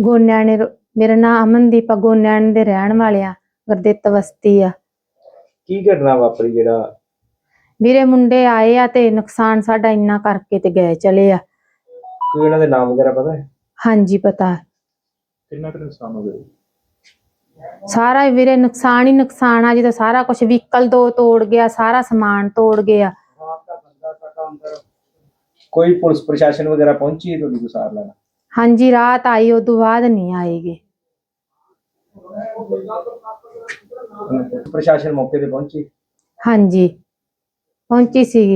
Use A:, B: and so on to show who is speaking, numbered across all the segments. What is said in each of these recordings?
A: ਗੋਨਿਆਣੇ ਮੇਰਾ ਨਾਮ ਅਮਨਦੀਪ ਆ। ਗੋਨਿਆਣੇ ਦੇ ਰਹਿਣ ਵਾਲੇ ਆ, ਗੁਰਦਿੱਤ ਬਸਤੀ ਆ।
B: ਕੀ ਘਟਨਾ ਵਾਪਰੀ ਜਿਹੜਾ
A: ਵੀਰੇ ਮੁੰਡੇ ਆਏ ਆ ਤੇ ਨੁਕਸਾਨ ਸਾਡਾ ਇੰਨਾ ਕਰਕੇ ਤੇ ਗਏ ਚਲੇ ਆ।
B: ਕੋਈ ਇਹਨਾਂ ਦੇ ਨਾਮ ਵਗੈਰਾ ਪਤਾ ਹੈ?
A: ਹਾਂਜੀ ਪਤਾ।
B: ਕਿੰਨਾ ਕੁ ਨੁਕਸਾਨ ਹੋ ਗਿਆ?
A: ਸਾਰਾ ਵੀਰੇ ਨੁਕਸਾਨ ਹੀ ਨੁਕਸਾਨ ਆ। ਜਦੋਂ ਸਾਰਾ ਕੁਝ ਵਹੀਕਲ ਦੋ ਤੋੜ ਗਿਆ, ਸਾਰਾ ਸਮਾਨ ਤੋੜ ਗਿਆ।
B: ਕੋਈ ਪੁਲਿਸ ਪ੍ਰਸ਼ਾਸਨ ਵਗੈਰਾ ਪਹੁੰਚੀ ਹੈ ਤੁਹਾਡੀ ਗੁਸਾਰ ਲੈਣ?
A: ਹਾਂਜੀ ਰਾਤ ਆਈ, ਉਦੋਂ ਬਾਅਦ ਨਹੀਂ ਆਏਗੇ।
B: ਪ੍ਰਸ਼ਾਸਨ ਮੌਕੇ ਤੇ ਪਹੁੰਚੀ?
A: ਹਾਂਜੀ ਪਹੁੰਚੀ ਸੀਗੀ।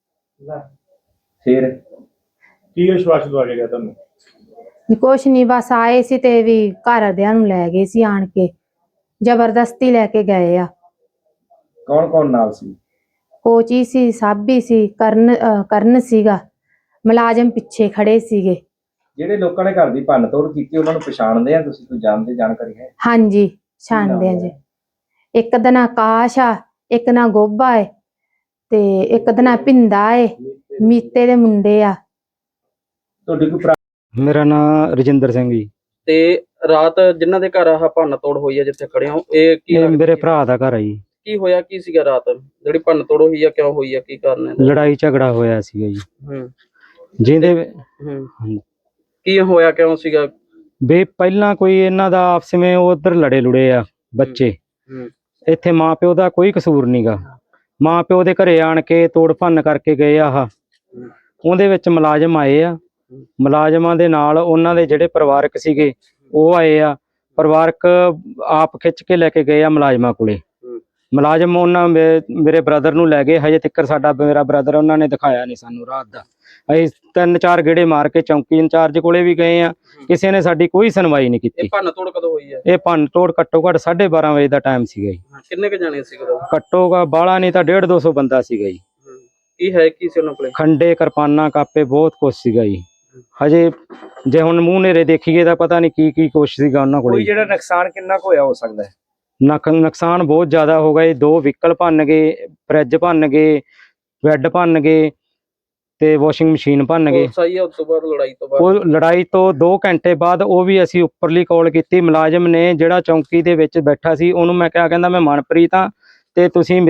B: ਫਿਰ
C: ਕੀ ਵਿਸ਼ਵਾਸ ਦਵਾ ਕੇ ਗਿਆ ਤੁਹਾਨੂੰ?
A: ਕੁਛ ਨਹੀਂ, ਬਸ ਆਏ ਸੀ ਤੇ ਵੀ ਘਰਦਿਆਂ ਨੂੰ ਲੈ ਗਏ ਸੀ, ਆਣ ਕੇ ਜ਼ਬਰਦਸਤੀ ਲੈ ਕੇ ਗਏ ਆ।
B: ਕੌਣ ਕੌਣ ਨਾਲ ਸੀ?
A: ਕੋਚੀ ਸੀ, ਸਾਬੀ ਸੀ, ਕਰਨ ਸੀਗਾ, ਮੁਲਾਜ਼ਮ ਪਿੱਛੇ ਖੜੇ ਸੀਗੇ।
B: ਜਿਹੜੇ ਲੋਕਾਂ ਨੇ ਘਰ ਦੀ ਭੰਨ ਤੋੜ ਕੀਤੀ ਉਹਨਾਂ ਨੂੰ ਪਛਾਣਦੇ ਆ ਤੁਸੀਂ? ਕੋਈ ਜਾਣਦੇ ਜਾਣਕਾਰੀ ਹੈ?
A: ਹਾਂਜੀ ਛਾਣਦੇ ਆ ਜੀ। ਇੱਕ ਦਾ ਨਾਂ ਆਕਾਸ਼ ਆ, ਇੱਕ ਨਾਂ ਗੋਬਾ ਏ ਤੇ ਇੱਕ ਦਾ ਨਾਂ ਭਿੰਦਾ ਏ। ਮੀਤੇ ਦੇ ਮੁੰਡੇ ਆ।
B: ਤੁਹਾਡੀ ਕੋਈ
D: ਮੇਰਾ ਨਾਮ ਰਜਿੰਦਰ ਸਿੰਘ ਜੀ।
E: ਤੇ ਰਾਤ ਜਿਨ੍ਹਾਂ ਦੇ ਘਰ ਆਹ ਭੰਨ ਤੋੜ ਹੋਈ ਆ ਜਿੱਥੇ ਖੜੇ ਹੋ, ਇਹ ਕੀ
D: ਇਹ ਮੇਰੇ ਭਰਾ ਦਾ ਘਰ ਆ ਜੀ।
E: ਕੀ ਹੋਇਆ ਕੀ ਸੀਗਾ ਰਾਤ ਜਿਹੜੀ ਭੰਨ ਤੋੜ ਹੋਈ ਆ? ਕਿਉਂ ਹੋਈ ਆ? ਕੀ ਕਾਰਨ ਹੈ?
D: ਲੜਾਈ ਝਗੜਾ ਹੋਇਆ ਸੀਗਾ ਜੀ।
E: ਹੂੰ
D: ਜਿਹਦੇ
E: ਕੀ ਹੋਇਆ? ਕਿਉਂ ਸੀਗਾ?
D: ਵੀ ਪਹਿਲਾਂ ਕੋਈ ਇਹਨਾਂ ਦਾ ਆਪਸ ਵਿੱਚ ਉਧਰ ਲੜੇ ਲੁੜੇ ਆ ਬੱਚੇ। ਇੱਥੇ ਮਾਂ ਪਿਓ ਦਾ ਕੋਈ ਕਸੂਰ ਨਹੀਂਗਾ। ਮਾਂ ਪਿਓ ਦੇ ਘਰੇ ਆਣ ਕੇ ਤੋੜ ਭੰਨ ਕਰਕੇ ਗਏ ਆ। ਉਹਦੇ ਵਿੱਚ ਮੁਲਾਜ਼ਮ ਆਏ ਆ। ਮੁਲਾਜ਼ਮਾਂ ਦੇ ਨਾਲ ਉਹਨਾਂ ਦੇ ਜਿਹੜੇ ਪਰਿਵਾਰਕ ਸੀਗੇ ਉਹ ਆਏ ਆ। ਪਰਿਵਾਰਕ ਆਪ ਖਿੱਚ ਕੇ ਲੈ ਕੇ ਗਏ ਆ ਮੁਲਾਜ਼ਮਾਂ ਕੋਲੇ। ਮੁਲਾਜ਼ਮ ਉਹਨਾਂ ਮੇਰੇ ਬ੍ਰਦਰ ਨੂੰ ਲੈ ਗਏ। ਹਜੇ ਤੱਕ ਮੇਰਾ ਬ੍ਰਦਰ ਉਹਨਾਂ ਨੇ ਦਿਖਾਇਆ ਨਹੀਂ ਸਾਨੂੰ ਰਾਤ ਦਾ। ਅਸੀਂ 3-4 ਗੇੜੇ ਮਾਰ ਕੇ ਚੌਂਕੀ ਇੰਚਾਰਜ ਕੋਲੇ ਵੀ ਗਏ ਆ, ਕਿਸੇ ਨੇ ਸਾਡੀ ਕੋਈ ਸੁਣਵਾਈ ਨਹੀਂ ਕੀਤੀ।
E: ਇਹ ਭੰਨ ਤੋੜ ਕਦੋਂ ਹੋਈ ਹੈ?
D: ਇਹ ਭੰਨ ਤੋੜ ਘੱਟੋ ਘੱਟ 12:30 ਵਜੇ ਦਾ ਟਾਈਮ ਸੀਗਾ ਜੀ।
E: ਕਿੰਨੇ ਕ ਜਾਣੇ ਸੀ ਉਦੋਂ?
D: ਘੱਟੋ ਬਾਹਲਾ ਨਹੀਂ ਤਾਂ 150-200 ਬੰਦਾ ਸੀਗਾ ਜੀ।
E: ਕੀ ਹੈ ਕੀ ਸੀ ਉਹਨਾਂ ਕੋਲੇ?
D: ਖੰਡੇ, ਕਿਰਪਾਨਾਂ, ਕਾਪੇ ਬਹੁਤ ਕੁਛ ਸੀਗਾ ਜੀ। ਹਜੇ ਜੇ ਹੁਣ ਮੂੰਹ ਨੇਰੇ ਦੇਖੀਏ ਤਾਂ ਪਤਾ ਨਹੀਂ ਕੀ ਕੀ ਕੁਛ ਸੀਗਾ ਉਹਨਾਂ ਕੋਲੇ।
B: ਕੋਈ ਜਿਹੜਾ ਨੁਕਸਾਨ ਕਿੰਨਾ ਕੁ ਹੋਇਆ ਹੋ ਸਕਦਾ ਹੈ?
D: ਨੁਕਸਾਨ ਬਹੁਤ ਜ਼ਿਆਦਾ ਹੋ ਗਿਆ ਜੀ। 2 ਵਹੀਕਲ ਭੰਨ ਗਏ, ਫਰਿੱਜ ਭੰਨ ਗਏ, ਬੈੱਡ ਭੰਨ ਗਏ ਤੇ ਵਾਸ਼ਿੰਗ ਮਸ਼ੀਨ ਭੰਨ ਗਏ।
E: ਸਹੀ ਹੈ। ਉਸ ਤੋਂ ਬਾਅਦ ਲੜਾਈ ਤੋਂ ਬਾਅਦ
D: ਉਹ ਲੜਾਈ ਤੋਂ 2 ਘੰਟੇ ਬਾਅਦ ਉਹ ਵੀ ਅਸੀਂ ਉੱਪਰਲੀ ਕਾਲ ਕੀਤੀ। ਮੁਲਾਜ਼ਮ ਨੇ ਜਿਹੜਾ ਚੌਂਕੀ ਦੇ ਵਿੱਚ ਬੈਠਾ ਸੀ ਉਹਨੂੰ ਮੈਂ ਕਿਹਾ, ਕਹਿੰਦਾ ਮੈਂ ਮਨਪ੍ਰੀਤ ਹਾਂ ਤੇ ਤੁਸੀਂ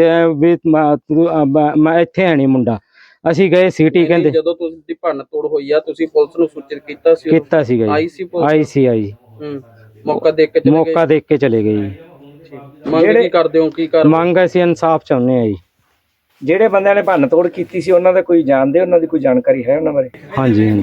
D: ਮੈਂ ਇੱਥੇ ਹੈ ਨਹੀਂ ਮੁੰਡਾ। ਅਸੀਂ ਗਏ ਸਿਟੀ, ਕਹਿੰਦੇ
E: ਜਦੋਂ ਤੁਸੀਂ ਭੰਨ ਤੋੜ ਹੋਈ ਆ ਤੁਸੀਂ ਪੁਲਿਸ ਨੂੰ ਸੂਚਿਤ ਕੀਤਾ ਸੀ?
D: ਕੀਤਾ ਸੀਗਾ ਜੀ। ਆਈ ਸੀ।
E: ਮੌਕਾ ਦੇਖ ਕੇ
D: ਚਲੇ ਗਏ ਜੀ।
E: ਮੰਗ ਕੀ ਕਰਦੇ ਹੋ? ਕੀ ਕਰ
D: ਮੰਗ ਅਸੀਂ ਇਨਸਾਫ ਚਾਹੁੰਦੇ ਆ ਜੀ।
B: ਜਿਹੜੇ ਬੰਦਿਆਂ ਨੇ ਭੰਨ ਤੋੜ ਕੀਤੀ ਸੀ ਉਹਨਾਂ ਦਾ ਕੋਈ ਜਾਣਦੇ, ਉਹਨਾਂ ਦੀ ਕੋਈ ਜਾਣਕਾਰੀ ਹੈ ਉਹਨਾਂ ਬਾਰੇ?
D: ਹਾਂਜੀ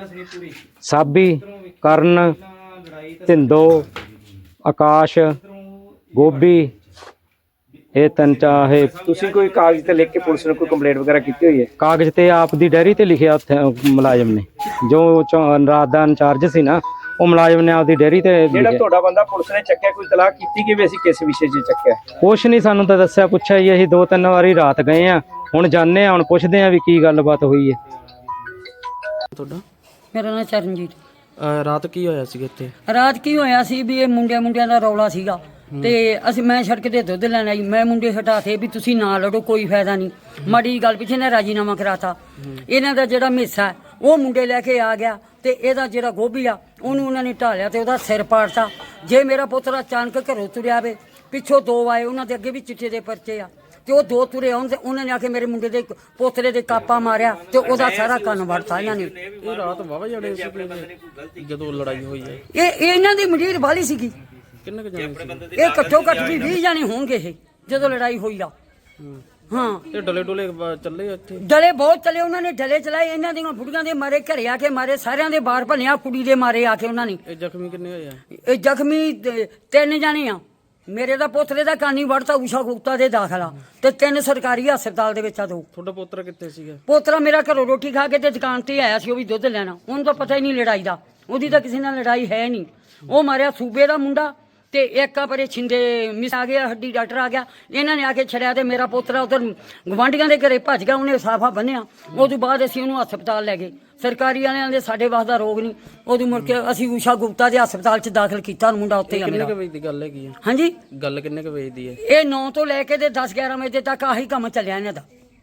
D: ਸਾਬੀ, ਕਰਨ, ਧਿੰਦੋ, ਆਕਾਸ਼, ਗੋਬੀ, ਇਹ 3
B: ਤੁਸੀਂ ਕੋਈ ਕਾਗਜ਼ ਤੇ ਲਿਖ ਕੇ ਪੁਲਿਸ ਨੂੰ ਕੋਈ ਕੰਪਲੇਂਟ ਵਗੈਰਾ ਕੀਤੀ ਹੋਈ ਹੈ?
D: ਕਾਗਜ਼ ਤੇ ਆਪ ਦੀ ਡੈਰੀ ਤੇ ਲਿਖਿਆ ਉੱਥੇ ਮੁਲਾਜ਼ਮ ਨੇ, ਜੋ ਰਾਤ ਦਾ ਇੰਚਾਰਜ ਸੀ ਨਾ, ਉਹ ਮੁਲਾਜ਼ਮ ਨੇ ਆਪਦੀ ਡੈਰੀ ਤੇ
B: ਜਿਹੜਾ ਤੁਹਾਡਾ ਬੰਦਾ ਪੁਲਿਸ ਨੇ ਚੱਕਿਆ, ਕੋਈ ਤਲਾਕ ਕੀਤੀ ਕਿ ਵੀ ਅਸੀਂ ਕਿਸ ਵਿਸ਼ੇ 'ਚ ਚੱਕਿਆ?
D: ਕੁਛ ਨਹੀਂ, ਸਾਨੂੰ ਤਾਂ ਦੱਸਿਆ ਪੁੱਛਿਆ ਜੀ। ਅਸੀਂ 2-3 ਵਾਰੀ ਰਾਤ ਗਏ ਆ। ਹੁਣ ਜਾਂਦੇ ਆ, ਹੁਣ ਪੁੱਛਦੇ ਆ ਵੀ ਕੀ ਗੱਲਬਾਤ ਹੋਈ ਹੈ।
F: ਤੁਹਾਡਾ? ਮੇਰਾ ਨਾਮ ਚਰਨਜੀਤ।
E: ਰਾਤ ਕੀ ਹੋਇਆ ਸੀ ਇੱਥੇ?
F: ਰਾਤ ਕੀ ਹੋਇਆ ਸੀ ਵੀ ਇਹ ਮੁੰਡਿਆਂ ਦਾ ਰੌਲਾ ਸੀਗਾ ਤੇ ਮੈਂ ਸੜਕ ਤੇ ਦੁੱਧ ਲੈਣ ਆਈ। ਮੈਂ ਮੁੰਡੇ ਹਟਾਤੇ ਵੀ ਤੁਸੀਂ ਨਾ ਲੜੋ, ਕੋਈ ਫਾਇਦਾ ਨਹੀਂ। ਮਾੜੀ ਗੱਲ ਪਿੱਛੇ ਨੇ ਰਾਜੀਨਾਮਾ ਕਰਾਤਾ। ਇਹਨਾਂ ਦਾ ਜਿਹੜਾ ਹਿੱਸਾ ਉਹ ਮੁੰਡੇ ਲੈ ਕੇ ਆ ਗਿਆ ਤੇ ਇਹਦਾ ਜਿਹੜਾ ਗੋਭੀ ਆ ਉਹਨੂੰ ਉਹਨਾਂ ਨੇ ਢਾਲਿਆ ਤੇ ਉਹਦਾ ਸਿਰ ਪਾੜਤਾ। ਜੇ ਮੇਰਾ ਪੁੱਤਰ ਅਚਾਨਕ ਘਰੋਂ ਤੁਰਿਆ ਵੇ, ਪਿੱਛੋਂ 2 ਆਏ, ਉਹਨਾਂ ਦੇ ਅੱਗੇ ਵੀ ਚਿੱਟੇ ਦੇ ਪਰਚੇ ਆ ਤੇ ਉਹ 2 ਤੁਰੇ ਆਉਣ ਤੇ ਉਹਨਾਂ ਨੇ ਆ ਕੇ ਮੇਰੇ ਮੁੰਡੇ ਦੇ ਪੋਤਰੇ ਦੇ ਕਾਪਾ ਮਾਰਿਆ ਤੇ ਉਹਦਾ ਸਾਰਾ ਕੰਨ ਵੜਤਾ ਇਹਨਾਂ ਨੇ।
E: ਇਹ ਰਾਤ ਵਾਵਾ ਜੜੇ ਸੀ ਜਦੋਂ ਲੜਾਈ ਹੋਈ ਹੈ?
F: ਇਹ ਇਹਨਾਂ ਦੀ ਮੰਡੀਰ ਵਾਲੀ ਸੀਗੀ।
E: ਕਿੰਨੇ ਕ ਜਾਣੇ ਸੀ?
F: ਇਹ ਘੱਟੋ ਘੱਟ ਵੀ 20 ਜਾਣੇ ਹੋਣਗੇ ਇਹ ਜਦੋਂ ਲੜਾਈ ਹੋਈ ਆ। ਹਾਂ
E: ਇਹ ਡਲੇ ਡੋਲੇ ਚੱਲੇ ਇੱਥੇ?
F: ਡਲੇ ਬਹੁਤ ਚੱਲੇ। ਉਹਨਾਂ ਨੇ ਡਲੇ ਚਲਾਏ। ਇਹਨਾਂ ਦੀਆਂ ਬੁੜੀਆਂ ਦੇ ਮਾਰੇ, ਘਰੇ ਆ ਕੇ ਮਾਰੇ, ਸਾਰਿਆਂ ਦੇ ਬਾਹਰ ਭੰਨਿਆ, ਕੁੜੀ ਦੇ ਮਾਰੇ ਆ ਕੇ ਉਹਨਾਂ ਨੇ।
E: ਇਹ ਜ਼ਖਮੀ ਕਿੰਨੇ ਹੋਏ ਆ?
F: ਇਹ ਜ਼ਖਮੀ 3 ਜਾਣੇ ਆ। ਮੇਰੇ ਦਾ ਪੋਤਰੇ ਦਾ ਕਾਨੀ ਵੜਤਾ, ਊਸ਼ਾ ਗੁਪਤਾ ਦੇ ਦਾਖਲਾ ਤੇ 3 ਸਰਕਾਰੀ ਹਸਪਤਾਲ ਦੇ ਵਿੱਚ ਆ। 2
E: ਤੁਹਾਡਾ ਪੋਤਰਾ ਕਿੱਥੇ ਸੀਗਾ?
F: ਪੋਤਰਾ ਮੇਰਾ ਘਰੋਂ ਰੋਟੀ ਖਾ ਕੇ ਤੇ ਦੁਕਾਨ ਤੇ ਆਇਆ ਸੀ, ਉਹ ਵੀ ਦੁੱਧ ਲੈਣਾ। ਉਹਨੂੰ ਤਾਂ ਪਤਾ ਹੀ ਨਹੀਂ ਲੜਾਈ ਦਾ, ਉਹਦੀ ਤਾਂ ਕਿਸੇ ਨਾਲ ਲੜਾਈ ਹੈ ਨਹੀਂ। ਉਹ ਮਾਰਿਆ ਸੂਬੇ ਦਾ ਮੁੰਡਾ ਤੇ ਇੱਕ ਆ ਪਰੇ ਛਿੰਦੇ ਮਿਸ ਆ ਗਿਆ, ਹੱਡੀ ਡਾਕਟਰ ਆ ਗਿਆ, ਇਹਨਾਂ ਨੇ ਆ ਕੇ ਛੜਿਆ ਤੇ ਮੇਰਾ ਪੋਤਰਾ ਉਧਰ ਗਵਾਂਢੀਆਂ ਦੇ ਘਰੇ ਭੱਜ ਗਿਆ। ਉਹਨੇ ਸਾਫਾ ਬੰਨਿਆ। ਉਦੋਂ ਬਾਅਦ ਅਸੀਂ ਉਹਨੂੰ ਹਸਪਤਾਲ ਲੈ ਗਏ। ਸਰਕਾਰੀ ਵਾਲਿਆਂ ਦੇ ਸਾਡੇ ਵਾਸ ਦਾ ਰੋਗ ਨਹੀਂ। ਉਦੋਂ ਮੁੜ ਕੇ ਅਸੀਂ ਊਸ਼ਾ ਗੁਪਤਾ ਦੇ ਹਸਪਤਾਲ 'ਚ ਦਾਖਲ ਕੀਤਾ। ਮੁੰਡਾ ਉੱਥੇ ਆ ਮੇਰਾ।
E: ਕਿੰਨੇ ਕ ਵਜੇ ਦੀ ਗੱਲ ਹੈਗੀ ਹੈ?
F: ਹਾਂਜੀ
E: ਗੱਲ ਕਿੰਨੇ ਕ ਵਜੇ ਦੀ ਹੈ?
F: ਇਹ 9 ਤੋਂ ਲੈ ਕੇ ਤੇ 10-11 ਵਜੇ ਤੱਕ ਆਹੀ ਕੰਮ ਚੱਲਿਆ ਇਹਨਾਂ ਦਾ।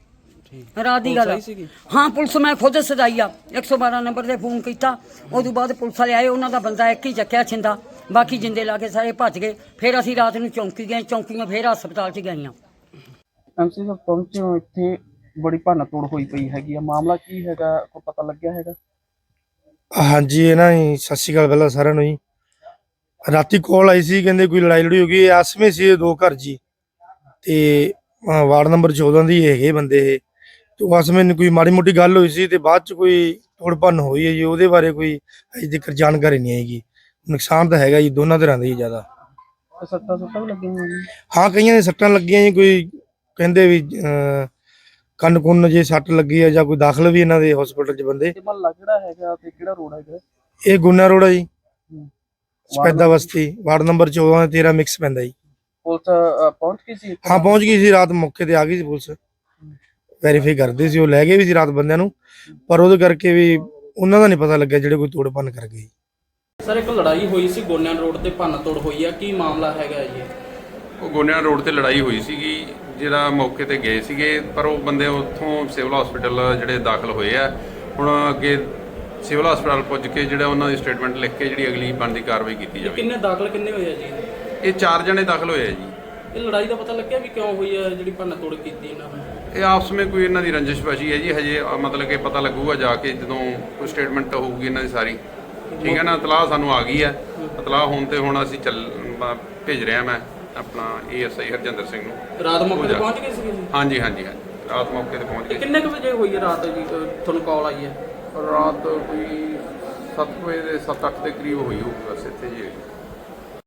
F: ਰਾਤ ਦੀ ਗੱਲ ਆ। ਹਾਂ ਪੁਲਿਸ ਮੈਂ ਖੁਦ ਸਦਾਈ ਆ 112 ਨੰਬਰ ਤੇ ਫੋਨ ਕੀਤਾ, ਉਦੋਂ ਬਾਅਦ ਪੁਲਿਸ ਵਾਲੇ ਆਏ, ਉਹਨਾਂ ਦਾ ਬੰਦਾ ਇੱਕ ਹੀ ਚੱਕਿਆ ਛਿੰਦਾ, ਬਾਕੀ ਜਿੰਦੇ ਲਾ ਕੇ ਸਾਰੇ ਭੱਜ ਗਏ। ਫਿਰ ਅਸੀਂ ਰਾਤ ਨੂੰ ਚੌਂਕੀ ਗਏ, ਚੌਂਕੀਆਂ ਫਿਰ ਹਸਪਤਾਲ 'ਚ ਗਈਆਂ।
E: ਐਮਸੀ ਸਾਹਿਬ ਪਹੁੰਚੇ ਹੋ ਇੱਥੇ, ਬੜੀ ਭੰਨ ਤੋੜ ਹੋਈ ਪਈ ਹੈਗੀ ਆ, ਮਾਮਲਾ ਕੀ ਹੈਗਾ, ਕੋਈ ਪਤਾ ਲੱਗਿਆ ਹੈਗਾ?
G: ਹਾਂਜੀ ਇਹ ਨਾ ਜੀ, ਸਤਿ ਸ਼੍ਰੀ ਅਕਾਲ ਪਹਿਲਾਂ ਸਾਰਿਆਂ ਨੂੰ ਜੀ। ਰਾਤੀ ਕਾਲ ਆਈ ਸੀ, ਕਹਿੰਦੇ ਕੋਈ ਲੜਾਈ ਲੜੀ ਹੋ ਗਈ। ਆਸਮੇ ਸੀ ਇਹ ਦੋ ਘਰ ਜੀ, ਤੇ ਵਾਰਡ ਨੰਬਰ 14 ਦੀ ਹੈਗੇ ਬੰਦੇ ਇਹ। ਤੇ ਆਸਮੇ ਨੂੰ ਕੋਈ ਮਾੜੀ ਮੋਟੀ ਗੱਲ ਹੋਈ ਸੀ ਤੇ ਬਾਅਦ ਚ ਕੋਈ ਤੋੜ ਭੰਨ ਹੋਈ ਹੈ ਜੀ। ਉਹਦੇ ਬਾਰੇ ਕੋਈ ਅਜੇ ਤੱਕ ਜਾਣਕਾਰੀ ਨਹੀਂ ਹੈਗੀ। ਨੁਕਸਾਨ ਤਾਂ ਹੈਗਾ ਜੀ ਦੋਨਾਂ ਤਰ੍ਹਾਂ ਦਾ ਹੀ ਜ਼ਿਆਦਾ।
E: ਸੱਟਾਂ ਸੁੱਟਾਂ ਵੀ ਲੱਗੀਆਂ ਹੋਈਆਂ?
G: ਹਾਂ ਕਈਆਂ ਦੇ ਸੱਟਾਂ ਲੱਗੀਆਂ ਜੀ, ਕੋਈ ਕਹਿੰਦੇ ਵੀ ਕੰਨ ਕੁੰਨ ਜੇ ਸੱਟ ਲੱਗੀ ਹੈ ਜਾਂ ਕੋਈ ਦਾਖਲ ਵੀ ਇਹਨਾਂ ਦੇ ਹਸਪੀਟਲ 'ਚ ਬੰਦੇ।
E: ਤੇ ਮਹੱਲਾ ਕਿਹੜਾ ਹੈਗਾ ਤੇ ਕਿਹੜਾ ਰੋਡ ਹੈਗਾ?
G: ਇਹ ਗੁਨਾ ਰੋਡ ਆ ਜੀ, ਸਪੈਦਾ ਬਸਤੀ, ਵਾਰਡ ਨੰਬਰ 14 ਤੇ 13 ਮਿਕਸ ਪੈਂਦਾ ਜੀ।
E: ਪੁਲਿਸ ਪਹੁੰਚ ਗਈ ਸੀ?
G: ਹਾਂ ਪਹੁੰਚ ਗਈ ਸੀ, ਰਾਤ ਮੌਕੇ ਤੇ ਆ ਗਈ ਸੀ ਪੁਲਿਸ, ਵੈਰੀਫਾਈ ਕਰਦੇ ਸੀ। ਉਹ ਲੈ ਗਏ ਵੀ ਸੀ ਰਾਤ ਬੰਦਿਆਂ ਨੂੰ, ਪਰ ਉਹਦੇ ਕਰਕੇ ਵੀ ਉਹਨਾਂ ਦਾ ਨਹੀਂ ਪਤਾ ਲੱਗਿਆ ਜਿਹੜੇ ਕੋਈ ਤੋੜ ਭੰਨ ਕਰ ਗਏ।
E: ਸਰ ਇੱਕ ਲੜਾਈ ਹੋਈ ਸੀ ਗੋਨਿਆਂ ਰੋਡ ਤੇ, ਭੰਨ ਤੋੜ ਹੋਈ ਆ, ਕੀ ਮਾਮਲਾ ਹੈਗਾ ਜੀ?
H: ਉਹ ਗੋਨਿਆਂ ਰੋਡ ਤੇ ਲੜਾਈ ਹੋਈ ਸੀਗੀ, ਜਿਹੜਾ ਮੌਕੇ ਤੇ ਗਏ ਸੀਗੇ, ਪਰ ਉਹ ਬੰਦੇ ਉੱਥੋਂ ਸਿਵਲ ਹਸਪੀਟਲ ਜਿਹੜੇ ਦਾਖਲ ਹੋਏ ਆ। ਹੁਣ ਅੱਗੇ ਸਿਵਲ ਹਸਪਤਾਲ ਪੁੱਜ ਕੇ ਜਿਹੜਾ ਉਹਨਾਂ ਦੀ ਸਟੇਟਮੈਂਟ ਲਿਖ ਕੇ ਜਿਹੜੀ ਅਗਲੀ ਬਣਦੀ ਕਾਰਵਾਈ ਕੀਤੀ ਜਾਵੇ।
E: ਕਿੰਨੇ ਦਾਖਲ ਕਿੰਨੇ ਹੋਏ ਆ ਜੀ?
H: ਇਹ 4 ਜਣੇ ਦਾਖਲ ਹੋਏ ਆ ਜੀ।
E: ਇਹ ਲੜਾਈ ਦਾ ਪਤਾ ਲੱਗਿਆ ਵੀ ਕਿਉਂ ਹੋਈ ਆ, ਜਿਹੜੀ ਭੰਨ ਤੋੜ ਕੀਤੀ ਇਹਨਾਂ ਨੇ?
H: ਇਹ ਆਪਸ ਵਿੱਚ ਕੋਈ ਇਹਨਾਂ ਦੀ ਰੰਜਿਸ਼ਬਾਜ਼ੀ ਹੈ ਜੀ, ਹਜੇ ਮਤਲਬ ਕਿ ਪਤਾ ਲੱਗੂਗਾ ਜਾ ਕੇ ਜਦੋਂ ਕੋਈ ਸਟੇਟਮੈਂਟ ਹੋਊਗੀ ਇਹਨਾਂ ਦੀ ਸਾਰੀ। ਠੀਕ ਹੈ ਨਾ, ਇਤਲਾਹ ਸਾਨੂੰ ਆ ਗਈ ਹੈ। ਇਤਲਾਹ ਹੋਣ ਤੇ ਹੁਣ ਅਸੀਂ ਭੇਜ ਰਿਹਾ ਮੈਂ ਆਪਣਾ ASI ਹਰਜਿੰਦਰ ਸਿੰਘ ਨੂੰ।
E: ਰਾਤ ਮੌਕੇ ਤੇ ਪਹੁੰਚ ਗਏ ਸੀ?
H: ਹਾਂਜੀ ਹਾਂਜੀ ਹਾਂਜੀ, ਰਾਤ ਮੌਕੇ ਤੇ ਪਹੁੰਚ ਗਏ।
E: ਕਿੰਨੇ ਕੁ ਵਜੇ ਹੋਈ ਹੈ ਰਾਤ ਜੀ ਤੁਹਾਨੂੰ ਕਾਲ ਆਈ ਹੈ?
H: ਰਾਤ ਕੋਈ 7 ਵਜੇ ਦੇ 7-8 ਦੇ ਕਰੀਬ ਹੋਈ ਹੋਊਗੀ ਬਸ ਇੱਥੇ ਜੀ।